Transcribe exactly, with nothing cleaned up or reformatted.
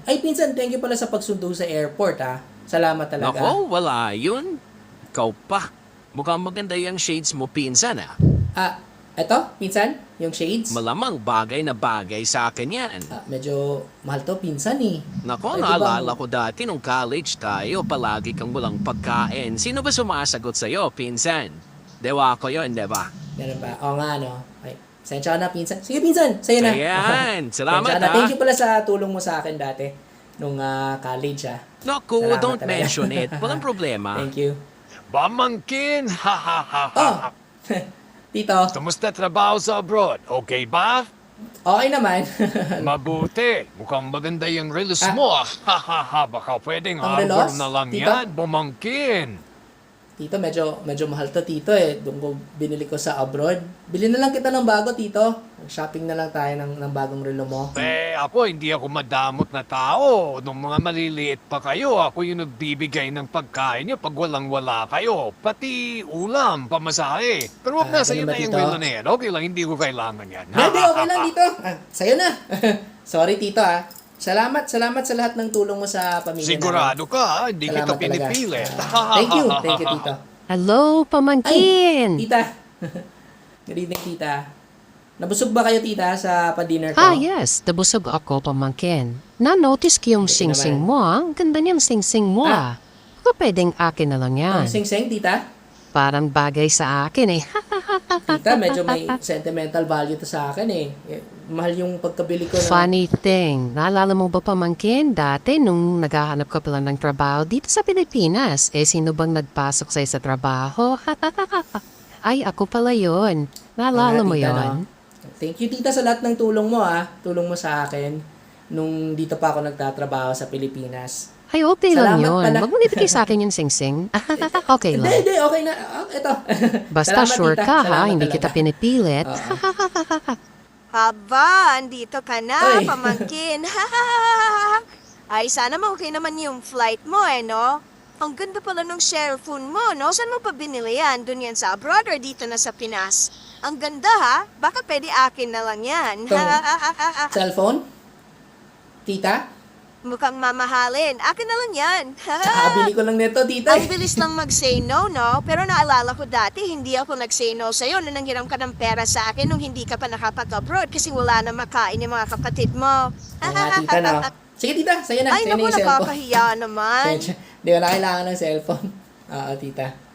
Ay, pinsan, thank you pala sa pagsundo sa airport, ha. Salamat talaga. Nako, wala yun. Ikaw pa. Mukhang maganda yung shades mo, pinsan ah. Ah, eto, pinsan, yung shades. Malamang bagay na bagay sa akin yan. Ah, medyo mahal to, pinsan, eh. Nako, Pwede naalala bang- ko dati nung college tayo, palagi kang walang pagkain. Sino ba sumasagot sa'yo, pinsan? Dewa ko yun, di ba? Ganun ba? Oo nga, no. Ay, sensya ka na, pinsan. Sige, pinsan, sa'yo na. Ayan, salamat Sensya ka na. ah. Thank you pala sa tulong mo sa akin dati nung ah, college, ha. Naku, Salamat don't talaga. mention it. Walang problema. Thank you. Pamangkin! Ha ha ha ha! Oh, Tito, Kamusta trabaho sa abroad? Okay ba? okay naman. Mabuti. Mukhang maganda yung reels Ah. mo. ah. Ha ha ha. Baka pwedeng Ang harbor relos? na lang Tito? yan, pamangkin. Tito, medyo, medyo mahal to, Tito, eh. Doon ko binili ko sa abroad. Bili na lang kita ng bago, Tito. Shopping na lang tayo ng, ng bagong relo mo. Eh, ako hindi ako madamot na tao. Nung mga maliliit pa kayo, ako yung nagbibigay ng pagkain niyo pag walang-wala kayo. Pati ulam, pamasahe. Pero Ah, wag na, sa'yo ganun ba, na yung Tito? relo na yan. Okay lang, hindi ko kailangan yan. Hindi, okay lang, Tito. Ah, sa'yo na. Sorry, Tito, ah. Salamat, salamat sa lahat ng tulong mo sa pamilya Sigurado ka, ha? Hindi namin. kita Salamat talaga. pinipilit. Ah, thank you, thank you, Tito. Hello, Ay, pamangkin! Tita. Good evening, Tita. Nabusog ba kayo, Tita, sa pa-dinner ko? Ah, yes. Nabusog ako, pamangkin. Na-notice ko yung Buti sing-sing naman. mo, ah. Ang ganda niyang sing-sing mo, Ah. ah. Baka pwedeng akin na lang yan. Ang sing-sing, Tita? Parang bagay sa akin, eh. Tita, medyo may sentimental value to sa akin, eh. Eh, Mahal yung pagkabili ko ng... Funny thing, naalala mo ba, pamangkin, dati nung naghahanap ka pala ng trabaho dito sa Pilipinas, eh sino bang nagpasok sa'yo sa trabaho? Ay, ako pala yun. Naalala Ah, mo tita, yon? no? Thank you, Tita, sa lahat ng tulong mo, ah. Tulong mo sa akin nung dito pa ako nagtatrabaho sa Pilipinas. Ay, okay lang Salamat yun. pala. Wag mo nibigay sa akin yung sing-sing. Okay Hindi, lang. hindi, okay na. Ah, ito. Basta Salamat, sure Tita. ka, ha? Salamat Hindi talaga. kita pinipilit. Oo. Haba, andito ka na, Ay. pamangkin. Ay, sana mo okay naman yung flight mo, eh, no? Ang ganda pala ng cellphone mo, no? Saan mo pa binili yan? Doon yan sa abroad or dito na sa Pinas? Ang ganda, ha? Baka pwede akin na lang yan. Cellphone? Tita? Mukhang mamahalin. Akin na lang yan. Kakabili ko lang nito, Tita. Ang bilis lang mag-say no, no? Pero naalala ko dati, hindi ako nag-say no sa'yo nung nanghiram ka ng pera sa akin nung hindi ka pa nakapag-abroad kasi wala na makain yung mga kapatid mo. Oo nga, Tita, no? Sige, Tita. Sa'yo na. Ay, Sa'yo na naku, yung cellphone. nakakahiya naman. Hindi ko na kailangan ng cellphone. Oo, Tita.